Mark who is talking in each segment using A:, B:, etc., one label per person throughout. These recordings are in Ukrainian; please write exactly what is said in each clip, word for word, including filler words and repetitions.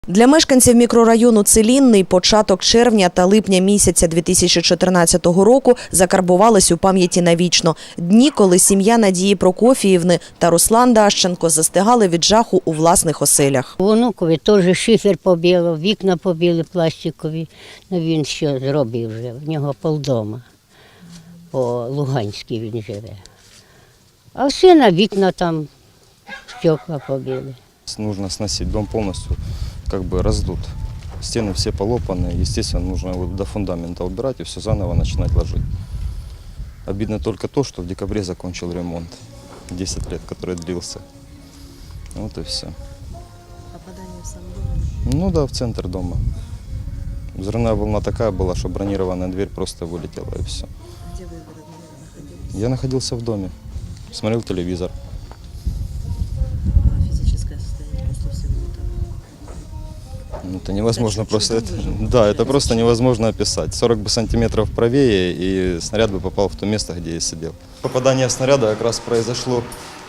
A: Для мешканців мікрорайону Целінний початок червня та липня місяця дві тисячі чотирнадцятого року закарбувались у пам'яті навічно. Дні, коли сім'я Надії Прокофіївни та Руслан Дащенко застигали від жаху у власних оселях.
B: Онукові теж шифер побіло, вікна побіли пластикові. Ну, він що зробив вже, в нього полдома. По Луганській він живе. А в сина вікна там, стекла побіли.
C: Нужно сносить, дом полностью как бы раздут. Стены все полопаны, естественно, нужно вот до фундамента убирать и все заново начинать ложить. Обидно только то, что в декабре закончил ремонт. десять лет, который длился. Вот и все.
A: Попадание в сам дом?
C: Ну да, в центр дома. Взрывная волна такая была, что бронированная дверь просто вылетела и все.
A: Где вы в этот момент находились?
C: Я находился в доме, смотрел телевизор. Ну, это невозможно просто. Это, да, это просто невозможно описать. сорок бы сантиметров правее, и снаряд бы попал в то место, где я сидел. Попадание снаряда как раз произошло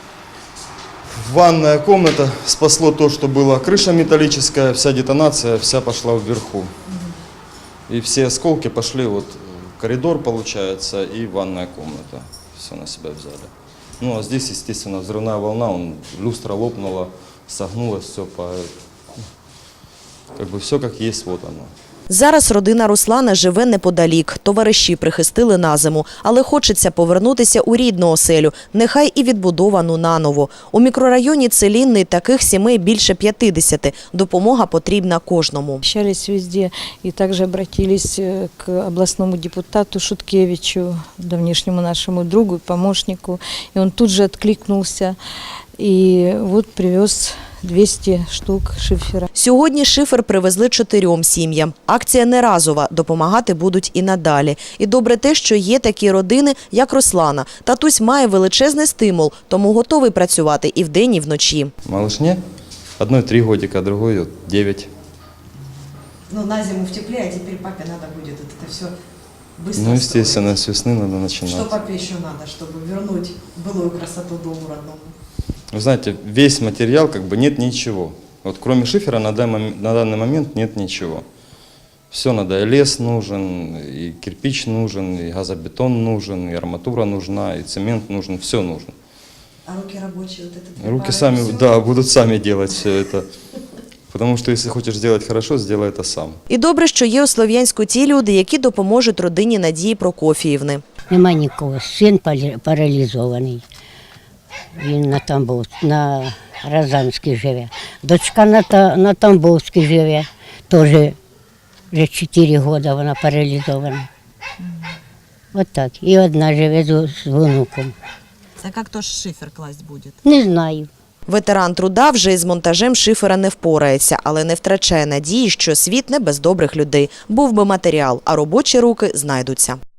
C: в ванная комната. Спасло то, что была крыша металлическая, вся детонация, вся пошла вверху. И все осколки пошли вот в коридор, получается, и ванная комната. Все на себя взяли. Ну, а здесь, естественно, взрывная волна, он, люстра лопнула, согнулась, все по... Как бы все как есть, вот оно.
A: Зараз родина Руслана живе неподалік. Товариші прихистили на зиму. Але хочеться повернутися у рідну оселю, нехай і відбудовану наново. У мікрорайоні Целінний таких сімей більше п'ятдесят. Допомога потрібна кожному.
D: Общались везде и также обратились к областному депутату Шуткевичу, давнишнему нашему другу, помощнику. И он тут же откликнулся и вот привез двісті штук шифера.
A: Сьогодні шифер привезли чотирьом сім'ям. Акція не разова, допомагати будуть і надалі. І добре те, що є такі родини, як Руслана. Татусь має величезний стимул, тому готовий працювати і вдень, і вночі.
C: Малышне одной три годика, другой вот девять.
A: Ну, на зиму в тепле, а теперь папе надо будет это все быстро.
C: Ну, естественно, с весны надо начинать.
A: Что папе еще надо, чтобы вернуть былую красоту дому родному?
C: Вы знаете, весь материал, как бы нет ничего. Вот кроме шифера на данный, на данный момент нет ничего. Все надо, и лес нужен, и кирпич нужен, и газобетон нужен, и арматура нужна, и цемент нужен, все нужно.
A: А руки рабочие, вот это?
C: Руки сами, да, будут сами делать все это. Потому что если хочешь сделать хорошо, сделай это сам.
A: І добре, що є у Слов'янську ті люди, які допоможуть родині Надії Прокофіївни.
B: Нема нікого, син паралізований. Він на Тамбов, на Розанській живе. Дочка на, на Тамбовській живе, теж вже чотири роки вона паралізована. От так. І одна живе з, з внуком.
E: А як то шифер класть буде?
B: Не знаю.
A: Ветеран труда вже із монтажем шифера не впорається, але не втрачає надії, що світ не без добрих людей. Був би матеріал, а робочі руки знайдуться.